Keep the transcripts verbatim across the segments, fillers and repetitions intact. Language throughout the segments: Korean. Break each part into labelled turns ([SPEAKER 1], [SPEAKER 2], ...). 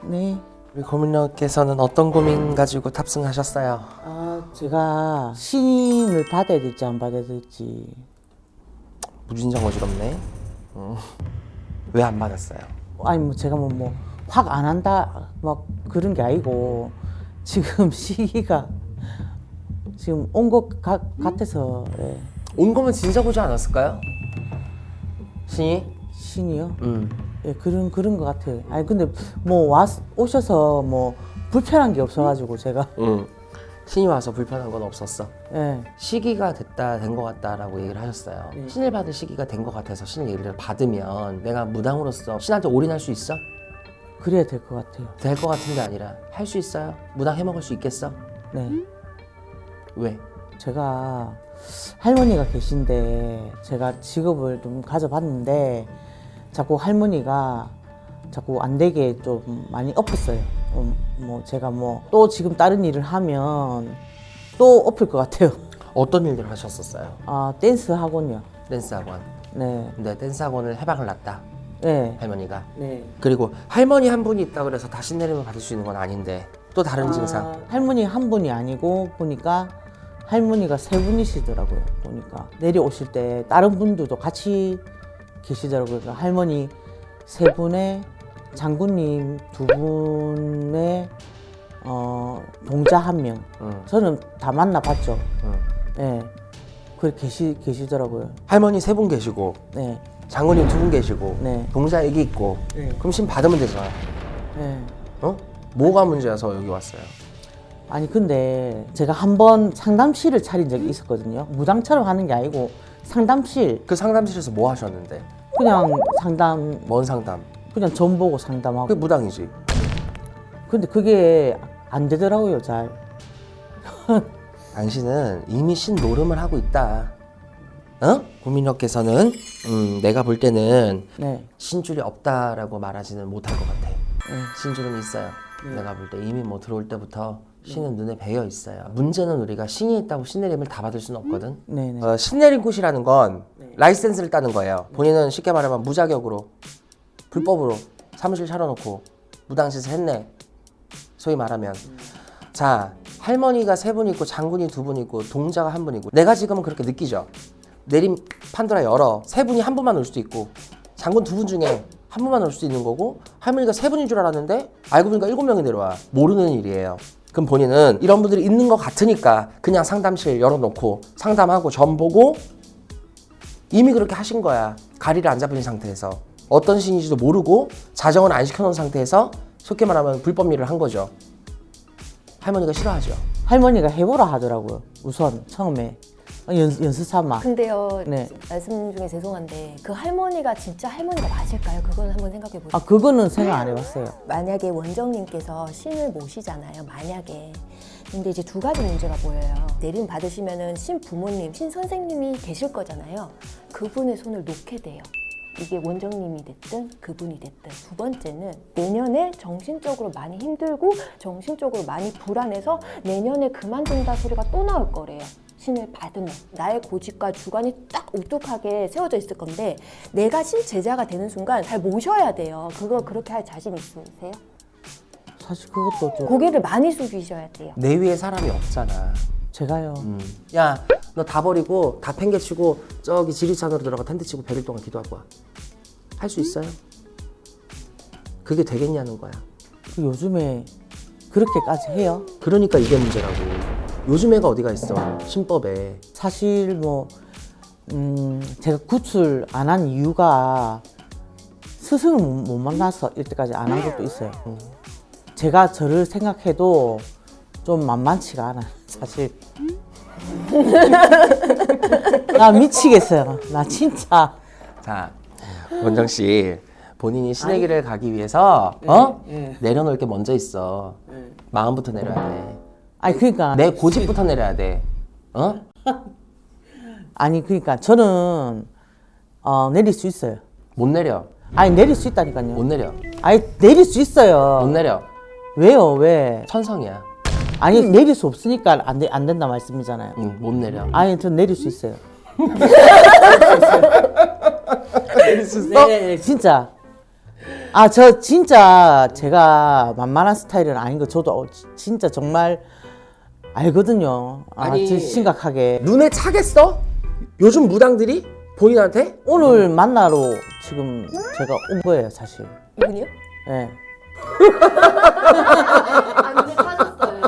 [SPEAKER 1] 네.
[SPEAKER 2] 우리 고민녀께서는 어떤 고민 가지고 탑승하셨어요?
[SPEAKER 1] 아, 제가 신임을 받아야 될지 안 받아야 될지.
[SPEAKER 2] 무진장 어지럽네. 음. 왜 안 받았어요?
[SPEAKER 1] 아니 뭐 제가 뭐 뭐 확 안 한다 막 그런 게 아니고 지금 시기가 지금 온 것 같아서. 예.
[SPEAKER 2] 온 거면 진작 오지 않았을까요? 신이?
[SPEAKER 1] 신이요?
[SPEAKER 2] 음.
[SPEAKER 1] 예, 그런 그런 것 같아요. 아니 근데 뭐 와 오셔서 뭐 불편한 게 없어가지고 제가.
[SPEAKER 2] 음. 신이 와서 불편한 건 없었어.
[SPEAKER 1] 예.
[SPEAKER 2] 시기가 됐다 된 것 같다라고 얘기를 하셨어요.
[SPEAKER 1] 네.
[SPEAKER 2] 신을 받을 시기가 된 것 같아서 신을 얘기를 받으면 내가 무당으로서 신한테 올인할 수 있어?
[SPEAKER 1] 그래야 될 것 같아요.
[SPEAKER 2] 될 것 같은 게 아니라 할 수 있어요? 무당 해먹을 수 있겠어?
[SPEAKER 1] 네.
[SPEAKER 2] 왜?
[SPEAKER 1] 제가 할머니가 계신데 제가 직업을 좀 가져봤는데 자꾸 할머니가 자꾸 안 되게 좀 많이 엎었어요. 음, 뭐 제가 뭐 또 지금 다른 일을 하면 또 엎을 것 같아요.
[SPEAKER 2] 어떤 일들을 하셨었어요?
[SPEAKER 1] 아 댄스 학원이요.
[SPEAKER 2] 댄스 학원.
[SPEAKER 1] 네.
[SPEAKER 2] 근데 댄스 학원을 해방을 놨다.
[SPEAKER 1] 네.
[SPEAKER 2] 할머니가.
[SPEAKER 1] 네.
[SPEAKER 2] 그리고 할머니 한 분이 있다 그래서 다 신내림을 받을 수 있는 건 아닌데 또 다른
[SPEAKER 1] 아,
[SPEAKER 2] 증상.
[SPEAKER 1] 할머니 한 분이 아니고 보니까 할머니가 세 분이시더라고요. 보니까 내려오실 때 다른 분들도 같이 계시더라고요. 그러니까 할머니 세 분에 장군님 두 분에 어, 동자 한 명.
[SPEAKER 2] 응.
[SPEAKER 1] 저는 다 만나봤죠.
[SPEAKER 2] 응.
[SPEAKER 1] 네. 그렇게 계시 계시더라고요.
[SPEAKER 2] 할머니 세 분 계시고
[SPEAKER 1] 네.
[SPEAKER 2] 장모님 두 분 계시고
[SPEAKER 1] 네.
[SPEAKER 2] 동자 애기 있고
[SPEAKER 1] 네.
[SPEAKER 2] 그럼 신 받으면 되잖아.
[SPEAKER 1] 네.
[SPEAKER 2] 어? 뭐가 문제여서 여기 왔어요?
[SPEAKER 1] 아니 근데 제가 한번 상담실을 차린 적이 있었거든요. 무당처럼 하는 게 아니고 상담실
[SPEAKER 2] 그 상담실에서 뭐 하셨는데?
[SPEAKER 1] 그냥 상담
[SPEAKER 2] 뭔 상담?
[SPEAKER 1] 그냥 전 보고 상담하고.
[SPEAKER 2] 그게 무당이지.
[SPEAKER 1] 근데 그게 안 되더라고요, 잘.
[SPEAKER 2] 당신은 이미 신 노름을 하고 있다. 어? 고민녀께서는 음, 내가 볼 때는
[SPEAKER 1] 네.
[SPEAKER 2] 신줄이 없다라고 말하지는 못할 것 같아.
[SPEAKER 1] 네.
[SPEAKER 2] 신줄은 있어요. 내가 볼 때 이미 뭐 들어올 때부터 신은 눈에 배어 있어요. 문제는 우리가 신이 있다고 신내림을 다 받을 수는 없거든.
[SPEAKER 1] 네네.
[SPEAKER 2] 어, 신내림 굿이라는 건 라이센스를 따는 거예요. 본인은 쉽게 말하면 무자격으로 불법으로 사무실 차려놓고 무당짓을 했네. 소위 말하면. 자, 할머니가 세 분 있고 장군이 두 분 있고 동자가 한 분 있고 내가 지금은 그렇게 느끼죠. 내림 판도라 열어. 세 분이 한 분만 올 수도 있고 장군 두 분 중에 한 분만 올 수도 있는 거고 할머니가 세 분인 줄 알았는데 알고 보니까 일곱 명이 내려와. 모르는 일이에요. 그럼 본인은 이런 분들이 있는 것 같으니까 그냥 상담실 열어놓고 상담하고 점 보고 이미 그렇게 하신 거야. 가리를 안 잡은 상태에서 어떤 신인지도 모르고 자정을 안 시켜놓은 상태에서 쉽게 말하면 불법 일을 한 거죠. 할머니가 싫어하죠.
[SPEAKER 1] 할머니가 해보라 하더라고요. 우선 처음에 연, 연습 삼아.
[SPEAKER 3] 근데요,
[SPEAKER 1] 네.
[SPEAKER 3] 말씀 중에 죄송한데 그 할머니가 진짜 할머니가 맞을까요? 그건 한번 생각해 보세요.
[SPEAKER 1] 아 그거는 생각 안 해봤어요.
[SPEAKER 3] 만약에 원정님께서 신을 모시잖아요. 만약에. 근데 이제 두 가지 문제가 보여요. 내림 받으시면은 신 부모님, 신 선생님이 계실 거잖아요. 그분의 손을 놓게 돼요. 이게 원정님이 됐든 그분이 됐든. 두 번째는 내년에 정신적으로 많이 힘들고 정신적으로 많이 불안해서 내년에 그만둔다 소리가 또 나올 거래요. 신을 받으면 나의 고집과 주관이 딱 우뚝하게 세워져 있을 건데 내가 신 제자가 되는 순간 잘 모셔야 돼요. 그거 그렇게 할 자신 있으세요?
[SPEAKER 1] 사실 그것도 좀
[SPEAKER 3] 고개를 많이 숙이셔야 돼요.
[SPEAKER 2] 내 위에 사람이 없잖아.
[SPEAKER 1] 제가요.
[SPEAKER 2] 음. 야, 너 다 버리고 다 팽개치고 저기 지리산으로 들어가 텐트 치고 백 일 동안 기도하고 와. 할 수 있어요? 그게 되겠냐는 거야.
[SPEAKER 1] 그 요즘에 그렇게까지 해요.
[SPEAKER 2] 그러니까 이게 문제라고. 요즘 애가 어디가 있어, 신법에.
[SPEAKER 1] 사실 뭐 음, 제가 구출 안 한 이유가 스승을 못, 못 만나서 이때까지 안 한 것도 있어요. 음. 제가 저를 생각해도 좀 만만치가 않아요, 사실. 나 미치겠어요. 나 진짜.
[SPEAKER 2] 자, 원정 씨, 본인이 신의 길을 가기 위해서 어?
[SPEAKER 1] 네.
[SPEAKER 2] 내려놓을 게 먼저 있어. 마음부터 내려야 돼.
[SPEAKER 1] 아니 그러니까
[SPEAKER 2] 내 고집부터 내려야 돼. 어?
[SPEAKER 1] 아니 그러니까 저는 어, 내릴 수 있어요.
[SPEAKER 2] 못 내려.
[SPEAKER 1] 아니 내릴 수 있다니까요.
[SPEAKER 2] 못 내려.
[SPEAKER 1] 아니 내릴 수 있어요.
[SPEAKER 2] 못 내려.
[SPEAKER 1] 왜요? 왜?
[SPEAKER 2] 천성이야.
[SPEAKER 1] 아니 내릴 수 없으니까 안, 되, 안 된다 말씀이잖아요.
[SPEAKER 2] 응, 못 내려.
[SPEAKER 1] 아니 전 내릴 수 있어요.
[SPEAKER 2] 내릴 수 있어?
[SPEAKER 1] 네, 네, 진짜. 아, 저 진짜 제가 만만한 스타일은 아닌 거 저도 진짜 정말 알거든요. 아,
[SPEAKER 2] 아니.
[SPEAKER 1] 진짜 심각하게.
[SPEAKER 2] 눈에 차겠어? 요즘 무당들이 본인한테?
[SPEAKER 1] 오늘 만나러 지금 제가 온 거예요, 사실.
[SPEAKER 3] 이분이요?
[SPEAKER 1] 예.
[SPEAKER 3] 아, 눈에 찾았어요.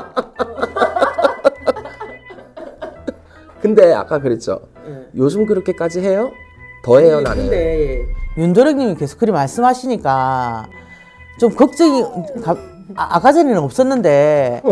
[SPEAKER 2] 근데 아까 그랬죠. 요즘 그렇게까지 해요? 더 해요 나는.
[SPEAKER 1] 윤도령님이 계속 그리 말씀하시니까 좀 걱정이 가, 아, 아까 전에는 없었는데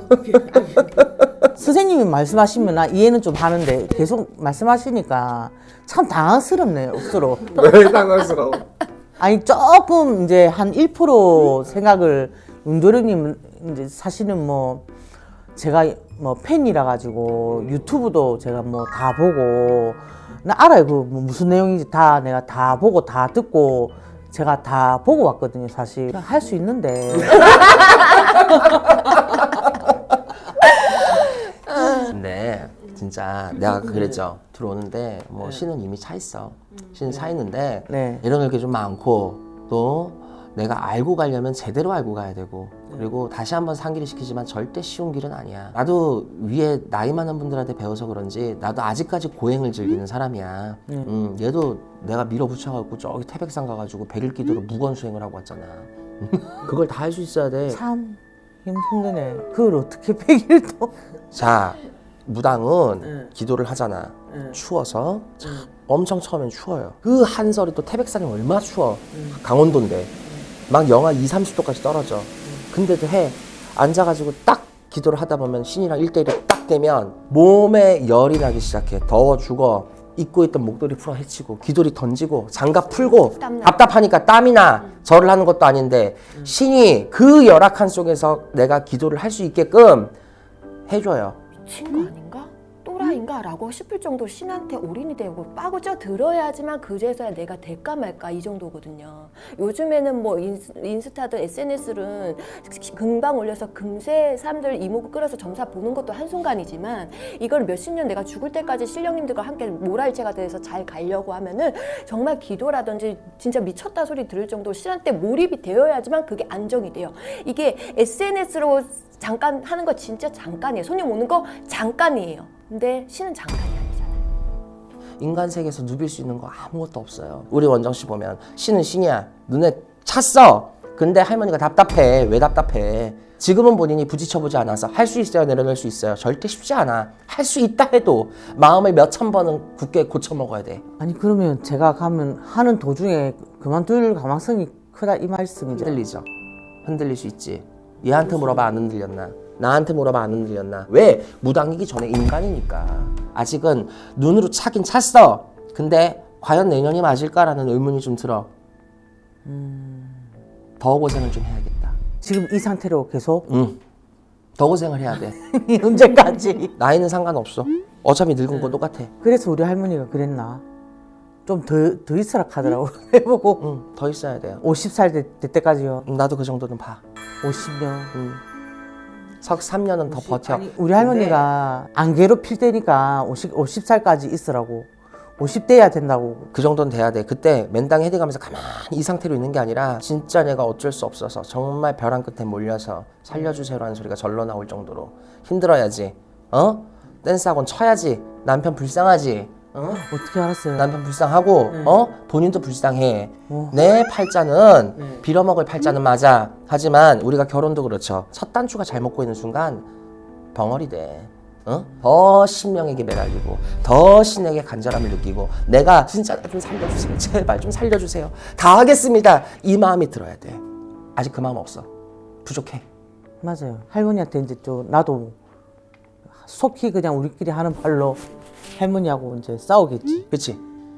[SPEAKER 1] 선생님이 말씀하시면 나 이해는 좀 하는데 계속 말씀하시니까 참 당황스럽네요, 억수로.
[SPEAKER 2] 왜 당황스러워?
[SPEAKER 1] 아니 조금 이제 한 일 퍼센트 생각을 윤도령님 이제 사실은 뭐 제가 뭐 팬이라 가지고 유튜브도 제가 뭐 다 보고 나 알아요. 그 뭐 무슨 내용인지 다 내가 다 보고 다 듣고 제가 다 보고 왔거든요, 사실. 할 수 있는데.
[SPEAKER 2] 근데 진짜 내가 그랬죠. 들어오는데 뭐 신은 이미 차 있어. 신은 차 있는데
[SPEAKER 1] 네.
[SPEAKER 2] 이런 게 좀 많고 또 내가 알고 가려면 제대로 알고 가야 되고 그리고 다시 한번 상기를 시키지만 절대 쉬운 길은 아니야. 나도 위에 나이 많은 분들한테 배워서 그런지 나도 아직까지 고행을 즐기는 사람이야. 음, 얘도 내가 밀어붙여갖고 저기 태백산 가가지고 백일 기도로 무건 수행을 하고 왔잖아. 그걸 다 할 수 있어야 돼.
[SPEAKER 1] 참 힘드네. 그걸 어떻게 백 일도.
[SPEAKER 2] 자, 무당은
[SPEAKER 1] 응.
[SPEAKER 2] 기도를 하잖아.
[SPEAKER 1] 응.
[SPEAKER 2] 추워서 참 엄청 처음엔 추워요. 그 한설이 또 태백산이 얼마나 추워. 강원도인데 막 영하 이삼십 도까지 떨어져. 근데도 해. 앉아가지고 딱 기도를 하다 보면 신이랑 일대일이 딱 되면 몸에 열이 나기 시작해. 더워 죽어. 입고 있던 목도리 풀어 헤치고 귀도리 던지고 장갑 풀고
[SPEAKER 3] 땀나.
[SPEAKER 2] 답답하니까 땀이 나. 절을 하는 것도 아닌데 신이 그 열악한 속에서 내가 기도를 할 수 있게끔 해줘요.
[SPEAKER 3] 미친 거 아닌가? 또라이인가? 라고 싶을 정도로 신한테 올인이 되고 빠구져 들어야지만 그제서야 내가 될까 말까 이 정도거든요. 요즘에는 뭐 인스, 인스타든 에스엔에스는 금방 올려서 금세 사람들 이목을 끌어서 점사 보는 것도 한순간이지만 이걸 몇십 년 내가 죽을 때까지 신령님들과 함께 모랄체가 돼서 잘 가려고 하면은 정말 기도라든지 진짜 미쳤다 소리 들을 정도로 신한테 몰입이 되어야지만 그게 안정이 돼요. 이게 에스엔에스로 잠깐 하는 거 진짜 잠깐이에요. 손님 오는 거 잠깐이에요. 근데 신은 잠깐이 아니잖아요.
[SPEAKER 2] 인간 세계에서 누빌 수 있는 거 아무것도 없어요. 우리 원정 씨 보면 신은 신이야. 눈에 찼어. 근데 할머니가 답답해. 왜 답답해? 지금은 본인이 부딪혀보지 않아서 할 수 있어요, 내려놓을 수 있어요. 절대 쉽지 않아. 할 수 있다 해도 마음을 몇천 번은 굳게 고쳐먹어야 돼.
[SPEAKER 1] 아니 그러면 제가 가면 하는 도중에 그만둘 가망성이 크다 이 말씀이죠.
[SPEAKER 2] 흔들리죠. 흔들릴 수 있지. 얘한테 물어봐 안 흔들렸나? 나한테 물어봐 안 흔들렸나? 왜? 무당이기 전에 인간이니까. 아직은 눈으로 차긴 찼어. 근데 과연 내년이 맞을까라는 의문이 좀 들어. 음... 더 고생을 좀 해야겠다.
[SPEAKER 1] 지금 이 상태로 계속
[SPEAKER 2] 응. 더 고생을 해야 돼.
[SPEAKER 1] 언제까지?
[SPEAKER 2] 나이는 상관없어. 어차피 늙은 거 똑같아.
[SPEAKER 1] 그래서 우리 할머니가 그랬나? 좀 더 더 있으라 하더라고. 해보고
[SPEAKER 2] 응, 더 있어야 돼요.
[SPEAKER 1] 오십 살 될 때까지요.
[SPEAKER 2] 나도 그 정도는 봐.
[SPEAKER 1] 오십 년.
[SPEAKER 2] 응. 석 삼 년은 더 버텨.
[SPEAKER 1] 우리 할머니가 안 괴롭힐 때니까 오십, 오십 살까지 있으라고. 오십 대야 된다고.
[SPEAKER 2] 그 정도는 돼야 돼. 그때 맨땅 헤딩하면서 가만히 이 상태로 있는 게 아니라 진짜 내가 어쩔 수 없어서 정말 벼랑 끝에 몰려서 살려주세요라는 소리가 절로 나올 정도로 힘들어야지. 어? 댄스 학원 쳐야지. 남편 불쌍하지. 어?
[SPEAKER 1] 어떻게 알았어요?
[SPEAKER 2] 남편 불쌍하고
[SPEAKER 1] 네.
[SPEAKER 2] 어? 본인도 불쌍해.
[SPEAKER 1] 어.
[SPEAKER 2] 내 팔자는
[SPEAKER 1] 네.
[SPEAKER 2] 빌어먹을 팔자는 맞아. 하지만 우리가 결혼도 그렇죠. 첫 단추가 잘 먹고 있는 순간 벙어리 돼. 어? 더 신명에게 매달리고 더 신에게 간절함을 느끼고 내가 진짜 좀 살려주세요. 제발 좀 살려주세요. 다 하겠습니다. 이 마음이 들어야 돼. 아직 그 마음 없어. 부족해.
[SPEAKER 1] 맞아요. 할머니한테 이제 좀 나도 속히 그냥 우리끼리 하는 말로 할머니하고 이제 싸우겠지.
[SPEAKER 2] 그치?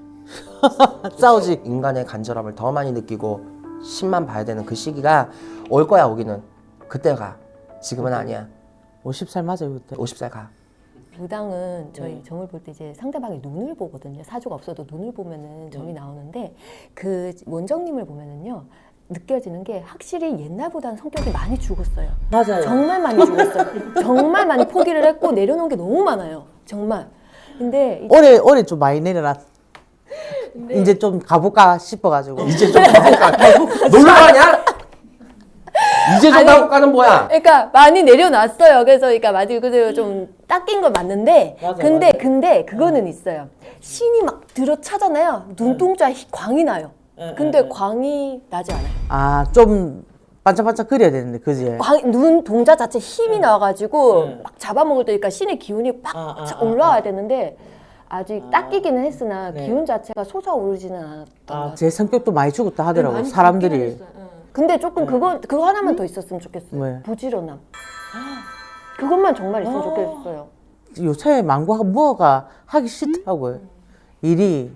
[SPEAKER 1] 싸우지.
[SPEAKER 2] 인간의 간절함을 더 많이 느끼고 신만 봐야 되는 그 시기가 올 거야. 오기는. 그때가. 지금은 아니야.
[SPEAKER 1] 오십 살 맞아요 그때.
[SPEAKER 2] 오십 살 가.
[SPEAKER 3] 무당은 저희 점을 볼 때 이제 상대방의 눈을 보거든요. 사주가 없어도 눈을 보면은 점이 나오는데 그 원정님을 보면은요. 느껴지는 게 확실히 옛날보다는 성격이 많이 죽었어요.
[SPEAKER 1] 맞아요.
[SPEAKER 3] 정말 많이 죽었어요. 정말 많이 포기를 했고 내려놓은 게 너무 많아요. 정말. 근데 이-
[SPEAKER 1] 올해 올해 좀 많이 내려놨. 이제 좀 가볼까 싶어가지고.
[SPEAKER 2] 이제 좀 가볼까? 놀러 가냐? 이제 좀
[SPEAKER 3] 아니,
[SPEAKER 2] 가볼까는 뭐야?
[SPEAKER 3] 그러니까 많이 내려놨어요. 그래서 그러니까 맞아요. 그대로 좀 닦인 건 맞는데,
[SPEAKER 1] 맞아,
[SPEAKER 3] 근데
[SPEAKER 1] 맞아.
[SPEAKER 3] 근데 그거는 있어요. 신이 막 들어차잖아요. 눈동자에 희- 광이 나요. 근데 광이 나지 않아요.
[SPEAKER 1] 아, 좀 반짝반짝 그려야 되는데, 그지?
[SPEAKER 3] 광, 눈 동자 자체 힘이 나와가지고 막 잡아먹을 때니까 신의 기운이 팍
[SPEAKER 1] 아, 아,
[SPEAKER 3] 차-
[SPEAKER 1] 아,
[SPEAKER 3] 올라와야 되는데 아직 닦이기는 했으나
[SPEAKER 1] 네.
[SPEAKER 3] 기운 자체가 솟아오르지는 않았던 것
[SPEAKER 1] 아,
[SPEAKER 3] 같아요.
[SPEAKER 1] 제 성격도 많이 죽었다 하더라고,
[SPEAKER 3] 많이
[SPEAKER 1] 사람들이.
[SPEAKER 3] 죽기는 했어요. 응. 근데 조금 그거 그거 하나만 더 있었으면 좋겠어요.
[SPEAKER 1] 왜?
[SPEAKER 3] 부지런함. 그것만 정말 있으면 좋겠어요.
[SPEAKER 1] 요새 망고가 뭐가 하기 싫더라고요. 일이.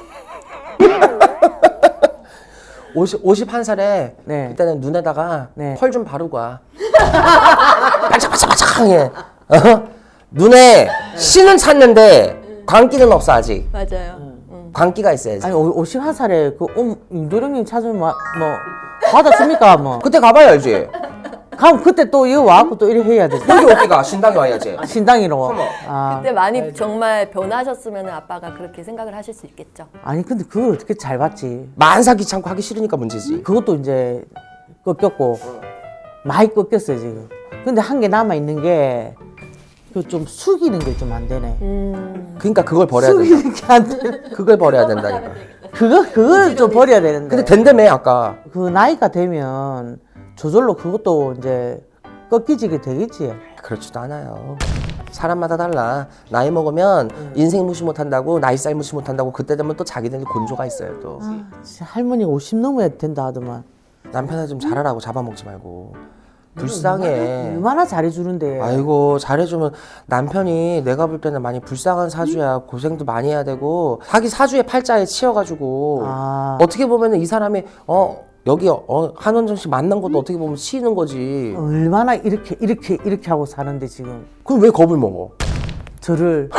[SPEAKER 2] 오십, 오십한 살에
[SPEAKER 1] 네.
[SPEAKER 2] 그때는 눈에다가
[SPEAKER 1] 네.
[SPEAKER 2] 펄 좀 바르고 와. 반짝반짝반짝하게. 어? 눈에 신은 찼는데 광기는 없어 아직.
[SPEAKER 3] 맞아요.
[SPEAKER 2] 광기가 있어야지.
[SPEAKER 1] 아니, 오십한 살에 그 옴, 윤도령님 찾으면 뭐, 뭐 받아줍니까, 뭐.
[SPEAKER 2] 그때 가봐야 알지.
[SPEAKER 1] 그럼 그때 또 이거 와갖고 또 이래 해야 되지.
[SPEAKER 2] 여기 어디가 신당에 와야지.
[SPEAKER 1] 신당이로. 아,
[SPEAKER 3] 그때 많이 정말 변하셨으면 아빠가 그렇게 생각을 하실 수 있겠죠.
[SPEAKER 1] 아니, 근데 그걸 어떻게 잘 봤지?
[SPEAKER 2] 만사 귀찮고 하기 싫으니까 문제지.
[SPEAKER 1] 그것도 이제 꺾였고, 많이 꺾였어요, 지금. 근데 한 개 남아있는 게, 그 좀 숙이는 게 좀 안 되네.
[SPEAKER 3] 음.
[SPEAKER 2] 그러니까 그걸 버려야 된다.
[SPEAKER 1] 숙이는 게 안 돼.
[SPEAKER 2] 그걸 버려야 된다니까.
[SPEAKER 1] 그거, 그걸 좀 버려야 되는데.
[SPEAKER 2] 근데 된다며 아까.
[SPEAKER 1] 그 나이가 되면 저절로 그것도 이제 꺾이지게 되겠지.
[SPEAKER 2] 그렇지도 않아요. 사람마다 달라. 나이 먹으면 인생 무시 못한다고, 나이 살 무시 못한다고, 그때 되면 또 자기들 곤조가 있어요 또.
[SPEAKER 1] 아, 진짜 할머니 오십 넘어야 된다 하더만.
[SPEAKER 2] 남편한테 좀 잘하라고, 잡아먹지 말고. 불쌍해.
[SPEAKER 1] 얼마나 잘해주는데.
[SPEAKER 2] 아이고 잘해주면 남편이 내가 볼 때는 많이 불쌍한 사주야. 고생도 많이 해야 되고 자기 사주의 팔자에 치여가지고
[SPEAKER 1] 아.
[SPEAKER 2] 어떻게 보면 이 사람이 어 여기 어, 한원정 씨 만난 것도 어떻게 보면 치이는 거지.
[SPEAKER 1] 얼마나 이렇게 이렇게 이렇게 하고 사는데 지금
[SPEAKER 2] 그럼 왜 겁을 먹어?
[SPEAKER 1] 저를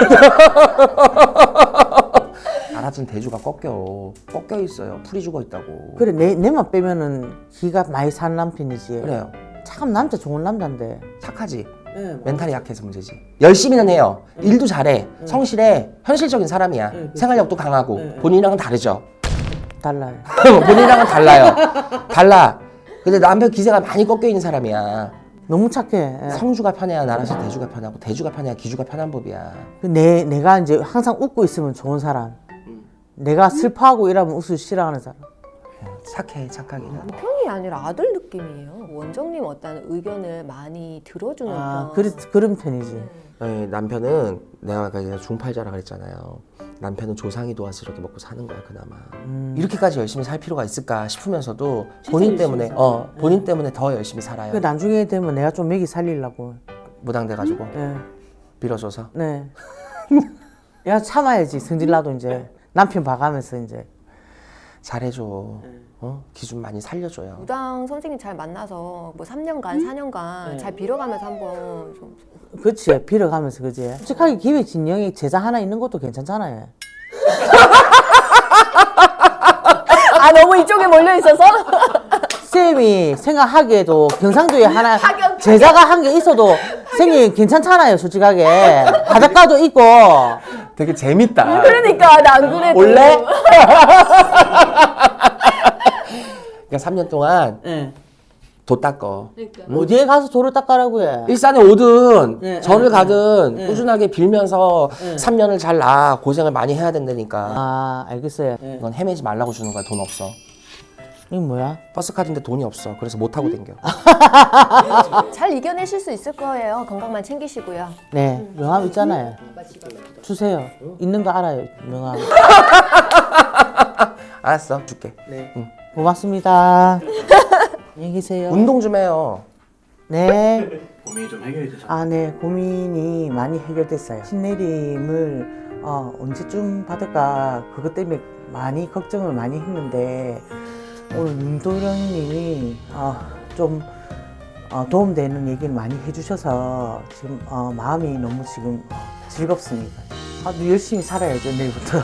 [SPEAKER 2] 알아준 대주가 꺾여 꺾여 있어요. 풀이 죽어 있다고.
[SPEAKER 1] 그래 내 내만 빼면은 기가 많이 산 남편이지.
[SPEAKER 2] 그래요.
[SPEAKER 1] 참 남자 좋은 남자인데.
[SPEAKER 2] 착하지.
[SPEAKER 1] 네,
[SPEAKER 2] 멘탈이 약해서 문제지. 열심히는 해요. 일도 잘해. 성실해. 현실적인 사람이야. 생활력도 강하고 본인이랑은 다르죠.
[SPEAKER 1] 달라요.
[SPEAKER 2] 본인이랑은 달라요. 달라. 근데 남편 기세가 많이 꺾여 있는 사람이야.
[SPEAKER 1] 너무 착해. 예.
[SPEAKER 2] 성주가 편해야 나라서 대주가 편하고 대주가 편해야 기주가 편한 법이야.
[SPEAKER 1] 그 내 내가 이제 항상 웃고 있으면 좋은 사람. 내가 슬퍼하고 이러면 웃을 싫어하는 사람.
[SPEAKER 2] 착해 착하게.
[SPEAKER 3] 남편이 아니라 아들 느낌이에요. 원정님 어떤 의견을 많이 들어주는
[SPEAKER 1] 아,
[SPEAKER 3] 편.
[SPEAKER 1] 그래 그런 편이지.
[SPEAKER 2] 네, 남편은 내가 아까 전에 중팔자라 그랬잖아요. 남편은 조상이 도와서 이렇게 먹고 사는 거야 그나마.
[SPEAKER 1] 음.
[SPEAKER 2] 이렇게까지 열심히 살 필요가 있을까 싶으면서도 본인 때문에 어 본인 때문에 더 열심히 살아요.
[SPEAKER 1] 그 나중에 되면 내가 좀 먹이 살리려고.
[SPEAKER 2] 무당돼가지고
[SPEAKER 1] 예.
[SPEAKER 2] 빌어줘서.
[SPEAKER 1] 네. 야 참아야지 성질 나도 이제 남편 봐가면서 이제.
[SPEAKER 2] 잘해줘. 어? 기준 많이 살려줘요.
[SPEAKER 3] 무당 선생님 잘 만나서 뭐 삼 년간, 사 년간 잘 빌어가면서 한번 좀.
[SPEAKER 1] 그치 빌어가면서 그지. 솔직하게 기획 진영에 제자 하나 있는 것도 괜찮잖아요.
[SPEAKER 3] 아 너무 이쪽에 몰려 있어서?
[SPEAKER 1] 쌤이 생각하기에도 경상도에 하나 제자가 한 개 있어도 쌤이 괜찮잖아요 솔직하게. 바닷가도 있고.
[SPEAKER 2] 되게 재밌다.
[SPEAKER 3] 그러니까 나 안 그래도.
[SPEAKER 2] 올래? 그러니까 삼 년 동안
[SPEAKER 1] 네.
[SPEAKER 2] 도 닦어.
[SPEAKER 1] 어디에 가서 돌을 닦아라고 해.
[SPEAKER 2] 일산에 오든
[SPEAKER 1] 네,
[SPEAKER 2] 절을
[SPEAKER 1] 네,
[SPEAKER 2] 가든
[SPEAKER 1] 네.
[SPEAKER 2] 꾸준하게 빌면서 삼 년을 잘 나. 고생을 많이 해야 된다니까.
[SPEAKER 1] 아 알겠어요.
[SPEAKER 2] 이건 헤매지 말라고 주는 거야. 돈 없어.
[SPEAKER 1] 이거 뭐야?
[SPEAKER 2] 버스 카드인데 돈이 없어. 그래서 못 타고 댕겨.
[SPEAKER 3] 잘 이겨내실 수 있을 거예요. 건강만 챙기시고요.
[SPEAKER 1] 네 명함 있잖아요. 주세요. 있는 거 알아요 명함.
[SPEAKER 2] 알았어. 줄게.
[SPEAKER 1] 네. 고맙습니다. 안녕히 계세요.
[SPEAKER 2] 운동 좀 해요.
[SPEAKER 1] 네.
[SPEAKER 4] 고민이 좀 해결이 되셨나요?
[SPEAKER 1] 아, 네. 고민이 많이 해결됐어요. 신내림을 어, 언제쯤 받을까 그것 때문에 많이 걱정을 많이 했는데 오늘 윤도령님이 어, 좀 어, 도움되는 얘기를 많이 해주셔서 지금 어, 마음이 너무 지금 어, 즐겁습니다. 아, 열심히 살아야죠 내일부터.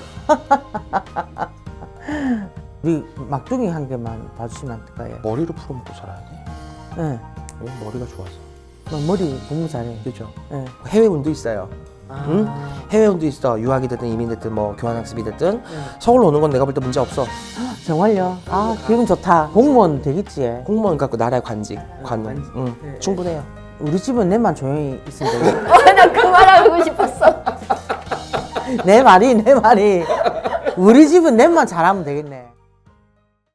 [SPEAKER 1] 우리 막둥이 한 개만 봐주시면 안 될까요?
[SPEAKER 2] 머리로 풀어먹고 살아야 돼.
[SPEAKER 1] 네.
[SPEAKER 2] 왜? 머리가 좋아서.
[SPEAKER 1] 너 머리 너무 잘해.
[SPEAKER 2] 그죠?
[SPEAKER 1] 네.
[SPEAKER 2] 해외 운도 있어요. 응? 해외원도 있어. 유학이 됐든 이민 됐든 뭐 교환학습이 됐든 서울로 오는 건 내가 볼 때 문제 없어.
[SPEAKER 1] 정말요? 아 기분 좋다. 공무원 되겠지.
[SPEAKER 2] 공무원 갖고 나라의 관직, 관원. 응,
[SPEAKER 1] 네.
[SPEAKER 2] 충분해요.
[SPEAKER 1] 우리 집은 내만 조용히 있으면 되겠네.
[SPEAKER 3] 어, 나 그 말하고 싶었어.
[SPEAKER 1] 내 말이 내 말이 우리 집은 내만 잘하면 되겠네.